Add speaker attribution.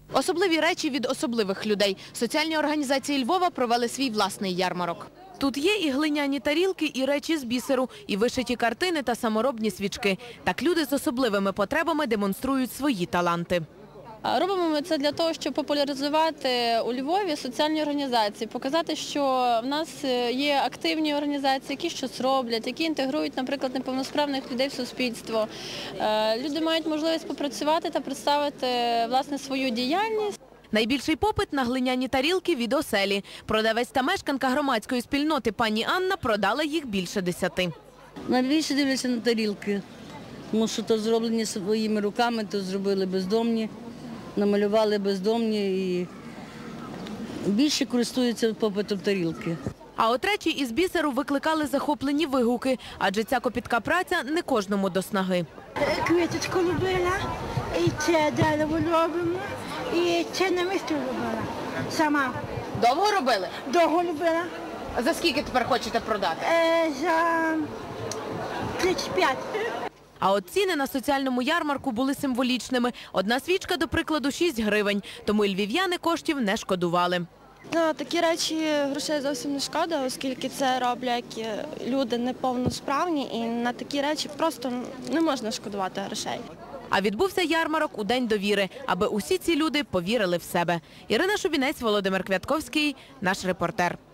Speaker 1: Особливі речі від особливих людей. Соціальні організації Львова провели свій власний ярмарок. Тут є і глиняні тарілки, і речі з бісеру, і вишиті картини та саморобні свічки. Так люди з особливими потребами демонструють свої таланти.
Speaker 2: Робимо ми це для того, щоб популяризувати у Львові соціальні організації, показати, що в нас є активні організації, які щось роблять, які інтегрують, наприклад, неповносправних людей в суспільство. Люди мають можливість попрацювати та представити, власне, свою діяльність.
Speaker 1: Найбільший попит на глиняні тарілки від оселі. Продавець та мешканка громадської спільноти пані Анна продала їх більше 10.
Speaker 3: Найбільше дивляться на тарілки, тому що то зроблені своїми руками, то зробили бездомні, намалювали бездомні і більше користуються попитом тарілки.
Speaker 1: А от речі із бісеру викликали захоплені вигуки, адже ця копітка праця не кожному до снаги.
Speaker 4: Квіточку любила, і це дерево робимо, і це на місці робила сама.
Speaker 1: Довго робили?
Speaker 4: Довго любила.
Speaker 1: За скільки тепер хочете продати?
Speaker 4: За 35.
Speaker 1: А от ціни на соціальному ярмарку були символічними. Одна свічка, до прикладу, 6 гривень. Тому і львів'яни коштів не шкодували.
Speaker 5: На такі речі грошей зовсім не шкода, оскільки це роблять люди неповносправні, і на такі речі просто не можна шкодувати грошей.
Speaker 1: А відбувся ярмарок у День довіри, аби усі ці люди повірили в себе. Ірина Шубінець, Володимир Квятковський, наш репортер.